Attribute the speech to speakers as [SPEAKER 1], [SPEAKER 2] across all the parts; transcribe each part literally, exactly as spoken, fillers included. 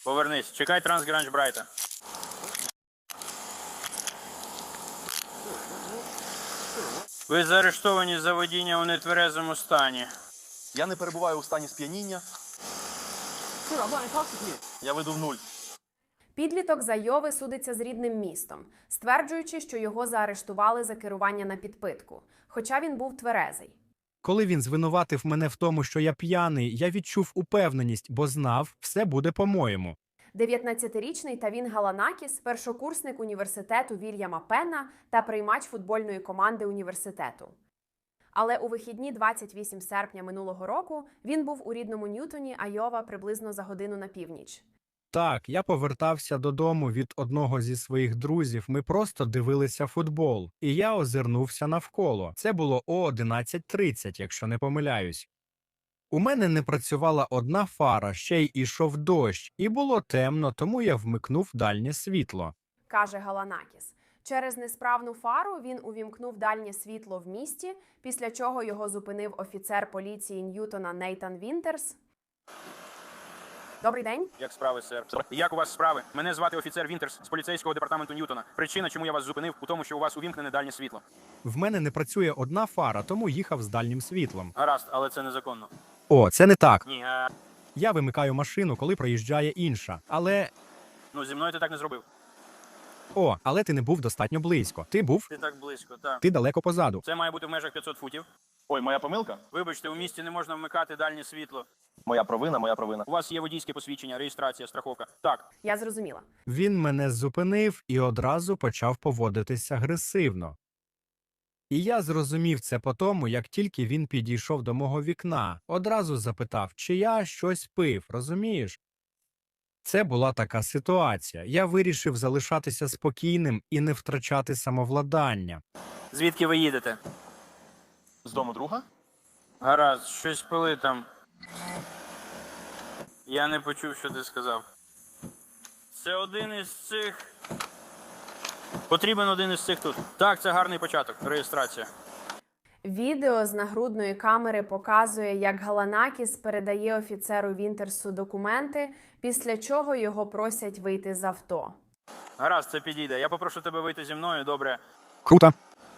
[SPEAKER 1] Повернись. Чекай Трансгранж Брайта. Ви заарештовані за водіння у нетверезому стані.
[SPEAKER 2] Я не перебуваю у стані сп'яніння. Я веду в нуль.
[SPEAKER 3] Підліток з Айови судиться з рідним містом, стверджуючи, що його заарештували за керування на підпитку, хоча він був тверезий.
[SPEAKER 4] Коли він звинуватив мене в тому, що я п'яний, я відчув упевненість, бо знав, все буде по-моєму.
[SPEAKER 3] дев'ятнадцятирічний Тавін Галанакіс – першокурсник університету Вільяма Пенна та приймач футбольної команди університету. Але у вихідні двадцять восьмого серпня минулого року він був у рідному Ньютоні, Айова, приблизно за годину на північ.
[SPEAKER 4] Так, я повертався додому від одного зі своїх друзів, ми просто дивилися футбол, і я озирнувся навколо. Це було о одинадцять тридцять, якщо не помиляюсь. У мене не працювала одна фара, ще й ішов дощ, і було темно, тому я вмикнув дальнє світло.
[SPEAKER 3] Каже Галанакіс. Через несправну фару він увімкнув дальнє світло в місті, після чого його зупинив офіцер поліції Ньютона Нейтан Вінтерс. Добрий день.
[SPEAKER 1] Як справи, сер? Як у вас справи? Мене звати офіцер Вінтерс з поліцейського департаменту Ньютона. Причина, чому я вас зупинив, у тому, що у вас увімкнене дальнє світло.
[SPEAKER 4] В мене не працює одна фара, тому їхав з дальнім світлом.
[SPEAKER 1] Гаразд, але це незаконно.
[SPEAKER 4] О, це не так.
[SPEAKER 1] Ні, а...
[SPEAKER 4] Я вимикаю машину, коли проїжджає інша. Але...
[SPEAKER 1] Ну, зі мною ти так не зробив.
[SPEAKER 4] О, але ти не був достатньо близько. Ти був,
[SPEAKER 1] Ти так близько, так.
[SPEAKER 4] ти далеко позаду.
[SPEAKER 1] Це має бути в межах п'ятсот футів.
[SPEAKER 2] Ой, моя помилка?
[SPEAKER 1] Вибачте, у місті не можна вмикати дальнє світло.
[SPEAKER 2] Моя провина, моя провина.
[SPEAKER 1] У вас є водійське посвідчення, реєстрація, страховка. Так.
[SPEAKER 3] Я зрозуміла.
[SPEAKER 4] Він мене зупинив і одразу почав поводитися агресивно. І я зрозумів це по тому, як тільки він підійшов до мого вікна. Одразу запитав, чи я щось пив, розумієш? Це була така ситуація. Я вирішив залишатися спокійним і не втрачати самовладання.
[SPEAKER 1] Звідки ви їдете?
[SPEAKER 2] З дому друга?
[SPEAKER 1] Гаразд, щось пили там. Я не почув, що ти сказав. Це один із цих... Потрібен один із цих тут. Так, це гарний початок. Реєстрація.
[SPEAKER 3] Відео з нагрудної камери показує, як Галанакіс передає офіцеру Вінтерсу документи, після чого його просять вийти з авто.
[SPEAKER 1] Гаразд, це підійде. Я попрошу тебе вийти зі мною, добре?
[SPEAKER 4] Круто.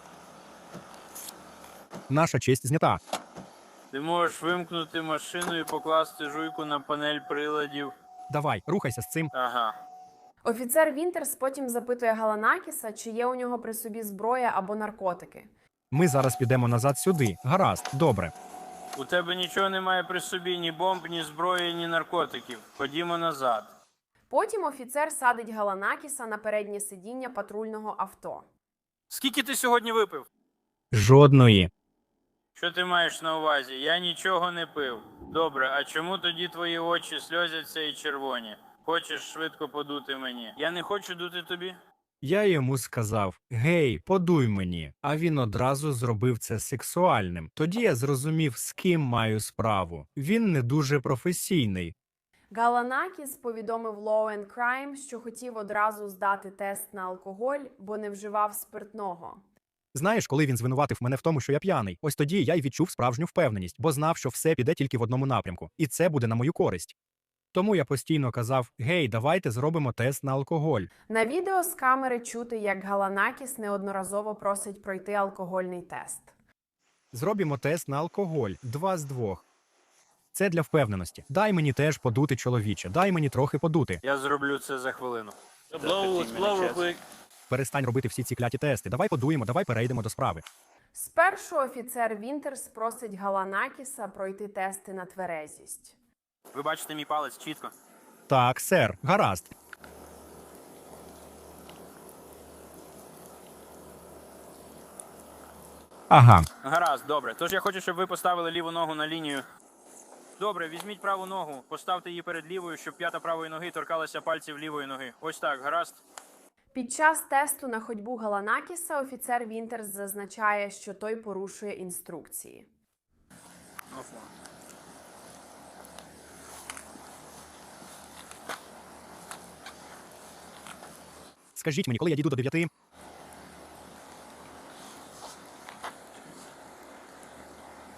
[SPEAKER 4] Наша честь знята.
[SPEAKER 1] Ти можеш вимкнути машину і покласти жуйку на панель приладів.
[SPEAKER 4] Давай, рухайся з цим.
[SPEAKER 1] Ага.
[SPEAKER 3] Офіцер Вінтерс потім запитує Галанакіса, чи є у нього при собі зброя або наркотики.
[SPEAKER 4] Ми зараз підемо назад сюди. Гаразд, добре.
[SPEAKER 1] У тебе нічого немає при собі, ні бомб, ні зброї, ні наркотиків. Ходімо назад.
[SPEAKER 3] Потім офіцер садить Галанакіса на переднє сидіння патрульного авто.
[SPEAKER 1] Скільки ти сьогодні випив?
[SPEAKER 4] Жодної.
[SPEAKER 1] Що ти маєш на увазі? Я нічого не пив. Добре, а чому тоді твої очі сльозяться і червоні? Хочеш швидко подути мені? Я не хочу дути тобі.
[SPEAKER 4] Я йому сказав: «Гей, подуй мені», а він одразу зробив це сексуальним. Тоді я зрозумів, з ким маю справу. Він не дуже професійний.
[SPEAKER 3] Галанакіс повідомив Law and Crime, що хотів одразу здати тест на алкоголь, бо не вживав спиртного.
[SPEAKER 4] Знаєш, коли він звинуватив мене в тому, що я п'яний, ось тоді я й відчув справжню впевненість, бо знав, що все піде тільки в одному напрямку, і це буде на мою користь. Тому я постійно казав: «Гей, давайте зробимо тест на алкоголь».
[SPEAKER 3] На відео з камери чути, як Галанакіс неодноразово просить пройти алкогольний тест.
[SPEAKER 4] Зробімо тест на алкоголь. Два з двох. Це для впевненості. Дай мені теж подути, чоловіче. Дай мені трохи подути.
[SPEAKER 1] Я зроблю це за хвилину. Blow, blow real quick.
[SPEAKER 4] Перестань робити всі ці кляті тести. Давай подуємо, давай перейдемо до справи.
[SPEAKER 3] Спершу офіцер Вінтерс просить Галанакіса пройти тести на тверезість.
[SPEAKER 1] Ви бачите мій палець чітко?
[SPEAKER 4] Так, сер, гаразд. Ага.
[SPEAKER 1] Гаразд, добре. Тож я хочу, щоб ви поставили ліву ногу на лінію. Добре, візьміть праву ногу, поставте її перед лівою, щоб п'ята правої ноги торкалася пальців лівої ноги. Ось так, гаразд?
[SPEAKER 3] Під час тесту на ходьбу Галанакіса офіцер Вінтерс зазначає, що той порушує інструкції.
[SPEAKER 4] Скажіть мені, коли я дійду до дев'яти?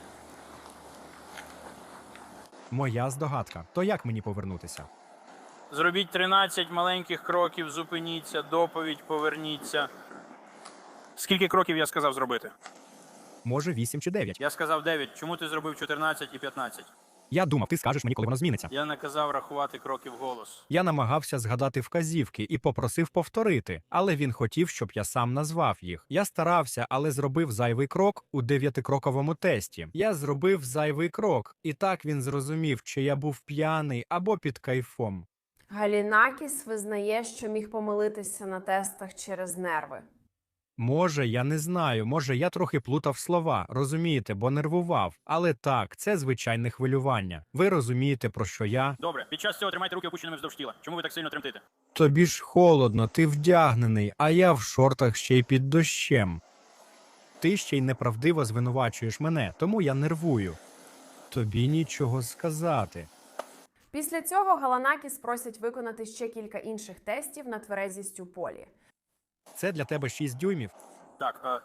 [SPEAKER 4] Моя здогадка. То як мені повернутися?
[SPEAKER 1] Зробіть тринадцять маленьких кроків, зупиніться, доповідь, поверніться. Скільки кроків я сказав зробити?
[SPEAKER 4] Може, вісім чи дев'ять.
[SPEAKER 1] Я сказав дев'ять. Чому ти зробив чотирнадцять і п'ятнадцять?
[SPEAKER 4] Я думав, ти скажеш мені, коли воно зміниться.
[SPEAKER 1] Я наказав рахувати кроки вголос.
[SPEAKER 4] Я намагався згадати вказівки і попросив повторити, але він хотів, щоб я сам назвав їх. Я старався, але зробив зайвий крок у дев'ятикроковому тесті. Я зробив зайвий крок, і так він зрозумів, чи я був п'яний або під кайфом.
[SPEAKER 3] Галінакіс визнає, що міг помилитися на тестах через нерви.
[SPEAKER 4] Може, я не знаю, може, я трохи плутав слова, розумієте, бо нервував. Але так, це звичайне хвилювання. Ви розумієте, про що я?
[SPEAKER 1] Добре, під час цього тримайте руки опущеними вздовж тіла. Чому ви так сильно тремтите?
[SPEAKER 4] Тобі ж холодно, ти вдягнений, а я в шортах ще й під дощем. Ти ще й неправдиво звинувачуєш мене, тому я нервую. Тобі нічого сказати.
[SPEAKER 3] Після цього Галанакіс просять виконати ще кілька інших тестів на тверезість у полі.
[SPEAKER 4] Це для тебе шість дюймів?
[SPEAKER 1] Так, а...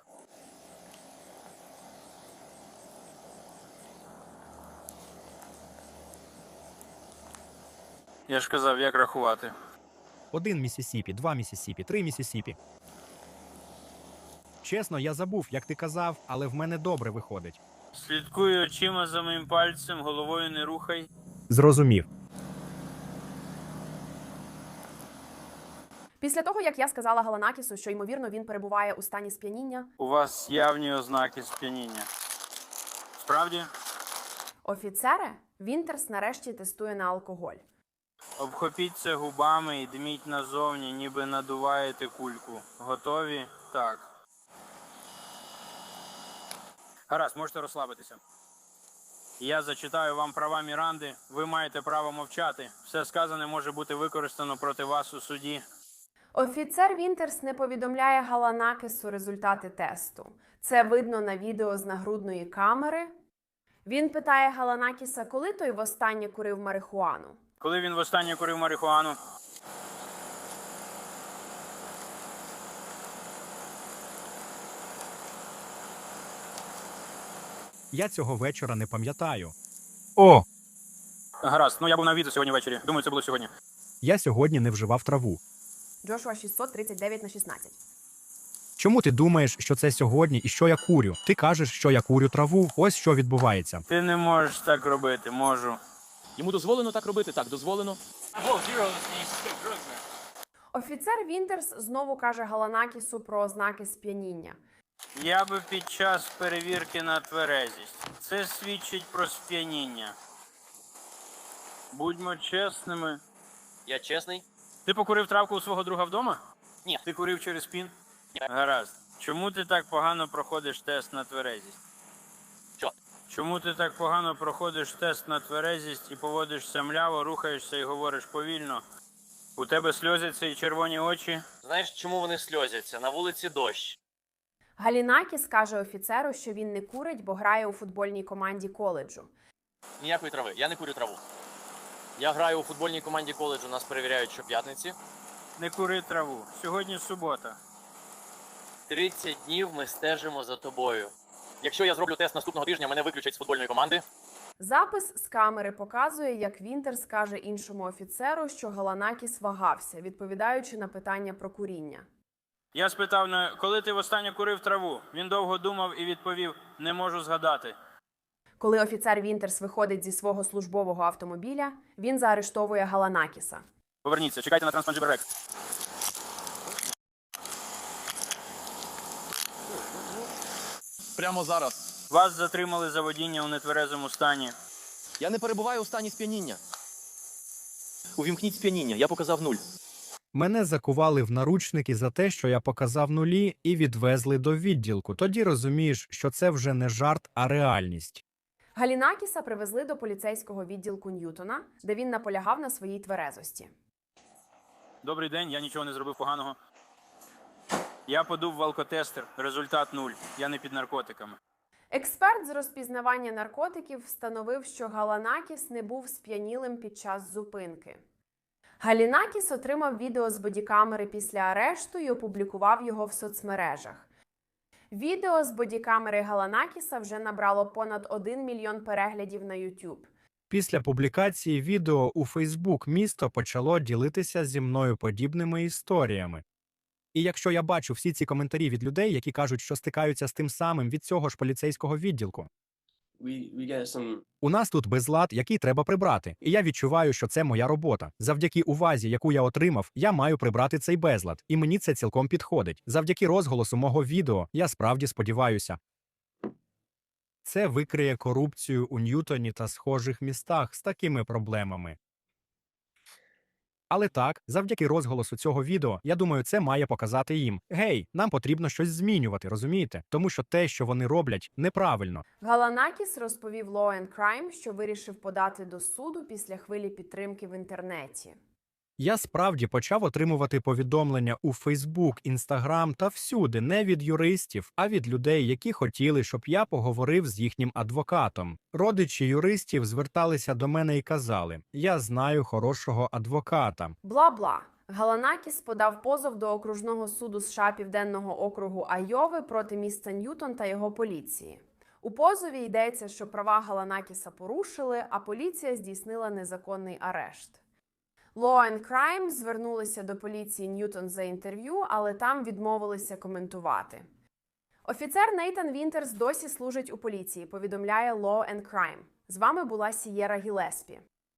[SPEAKER 1] Я ж казав, як рахувати.
[SPEAKER 4] Один Міссісіпі, два Міссісіпі, три Міссісіпі. Чесно, я забув, як ти казав, але в мене добре виходить.
[SPEAKER 1] Слідкуй очима за моїм пальцем, головою не рухай.
[SPEAKER 4] Зрозумів.
[SPEAKER 3] Після того, як я сказала Галанакісу, що, ймовірно, він перебуває у стані сп'яніння,
[SPEAKER 1] У вас явні ознаки сп'яніння. Справді?
[SPEAKER 3] офіцере, Вінтерс нарешті тестує на алкоголь.
[SPEAKER 1] Обхопіться губами і дміть назовні, ніби надуваєте кульку. Готові? Так. Гаразд, можете розслабитися. Я зачитаю вам права Міранди. Ви маєте право мовчати. Все сказане може бути використано проти вас у суді.
[SPEAKER 3] Офіцер Вінтерс не повідомляє Галанакісу результати тесту. Це видно на відео з нагрудної камери. Він питає Галанакіса, коли той востаннє курив марихуану.
[SPEAKER 1] Коли він востаннє курив марихуану?
[SPEAKER 4] Я цього вечора не пам'ятаю. О!
[SPEAKER 1] Гаразд, ну я був на відео сьогодні ввечері. Думаю, це було сьогодні.
[SPEAKER 4] Я сьогодні не вживав траву.
[SPEAKER 3] Джошуа шістсот тридцять дев'ять на шістнадцять.
[SPEAKER 4] Чому ти думаєш, що це сьогодні і що я курю? Ти кажеш, що я курю траву. Ось що відбувається.
[SPEAKER 1] Ти не можеш так робити, можу.
[SPEAKER 2] Йому дозволено так робити? Так, дозволено.
[SPEAKER 3] Офіцер Вінтерс знову каже Галанакісу про ознаки сп'яніння.
[SPEAKER 1] Я би під час перевірки на тверезість. Це свідчить про сп'яніння. Будьмо чесними.
[SPEAKER 5] Я чесний?
[SPEAKER 1] Ти покурив травку у свого друга вдома?
[SPEAKER 5] Ні.
[SPEAKER 1] Ти курив через пін?
[SPEAKER 5] Ні.
[SPEAKER 1] Гаразд. Чому ти так погано проходиш тест на тверезість?
[SPEAKER 5] Що?
[SPEAKER 1] Чому ти так погано проходиш тест на тверезість і поводишся мляво, рухаєшся і говориш повільно? У тебе сльозяться і червоні очі?
[SPEAKER 5] Знаєш, чому вони сльозяться? На вулиці дощ.
[SPEAKER 3] Галінакіс каже офіцеру, що він не курить, бо грає у футбольній команді коледжу.
[SPEAKER 5] Ніякої трави. Я не курю траву. Я граю у футбольній команді коледжу, нас перевіряють щоп'ятниці.
[SPEAKER 1] Не кури траву. Сьогодні субота.
[SPEAKER 5] тридцять днів ми стежимо за тобою. Якщо я зроблю тест наступного тижня, мене виключать з футбольної команди.
[SPEAKER 3] Запис з камери показує, як Вінтерс каже іншому офіцеру, що Галанакіс вагався, відповідаючи на питання про куріння.
[SPEAKER 1] Я спитав, на коли ти востаннє курив траву? Він довго думав і відповів, не можу згадати.
[SPEAKER 3] Коли офіцер Вінтерс виходить зі свого службового автомобіля, він заарештовує Галанакіса.
[SPEAKER 1] Поверніться, чекайте на Трансманджиберек.
[SPEAKER 2] Прямо зараз.
[SPEAKER 1] Вас затримали за водіння у нетверезому стані.
[SPEAKER 2] Я не перебуваю у стані сп'яніння. Увімкніть сп'яніння, я показав нуль.
[SPEAKER 4] Мене закували в наручники за те, що я показав нулі, і відвезли до відділку. Тоді розумієш, що це вже не жарт, а реальність.
[SPEAKER 3] Галінакіса привезли до поліцейського відділку Ньютона, де він наполягав на своїй тверезості.
[SPEAKER 1] Добрий день, я нічого не зробив поганого. Я подув в алкотестер, результат нуль. Я не під наркотиками.
[SPEAKER 3] Експерт з розпізнавання наркотиків встановив, що Галанакіс не був сп'янілим під час зупинки. Галінакіс отримав відео з бодікамери після арешту і опублікував його в соцмережах. Відео з бодікамери Галанакіса вже набрало понад один мільйон переглядів на YouTube.
[SPEAKER 4] Після публікації відео у Фейсбук місто почало ділитися зі мною подібними історіями. І якщо я бачу всі ці коментарі від людей, які кажуть, що стикаються з тим самим від цього ж поліцейського відділку,
[SPEAKER 6] we we get some
[SPEAKER 4] у нас тут безлад, який треба прибрати. І я відчуваю, що це моя робота. Завдяки увазі, яку я отримав, я маю прибрати цей безлад. І мені це цілком підходить. Завдяки розголосу мого відео, я справді сподіваюся. Це викриє корупцію у Ньютоні та схожих містах з такими проблемами. Але так, завдяки розголосу цього відео, я думаю, це має показати їм: гей, нам потрібно щось змінювати, розумієте? Тому що те, що вони роблять, неправильно.
[SPEAKER 3] Галанакіс розповів Law and Crime, що вирішив подати до суду після хвилі підтримки в інтернеті.
[SPEAKER 4] Я справді почав отримувати повідомлення у Фейсбук, Інстаграм та всюди не від юристів, а від людей, які хотіли, щоб я поговорив з їхнім адвокатом. Родичі юристів зверталися до мене і казали: «Я знаю хорошого адвоката».
[SPEAKER 3] Бла-бла. Галанакіс подав позов до окружного суду США Південного округу Айови проти міста Ньютон та його поліції. У позові йдеться, що права Галанакіса порушили, а поліція здійснила незаконний арешт. Law and Crime звернулися до поліції Ньютон за інтерв'ю, але там відмовилися коментувати. Офіцер Нейтан Вінтерс досі служить у поліції, повідомляє Law and Crime. З вами була Сієра Гілеспі.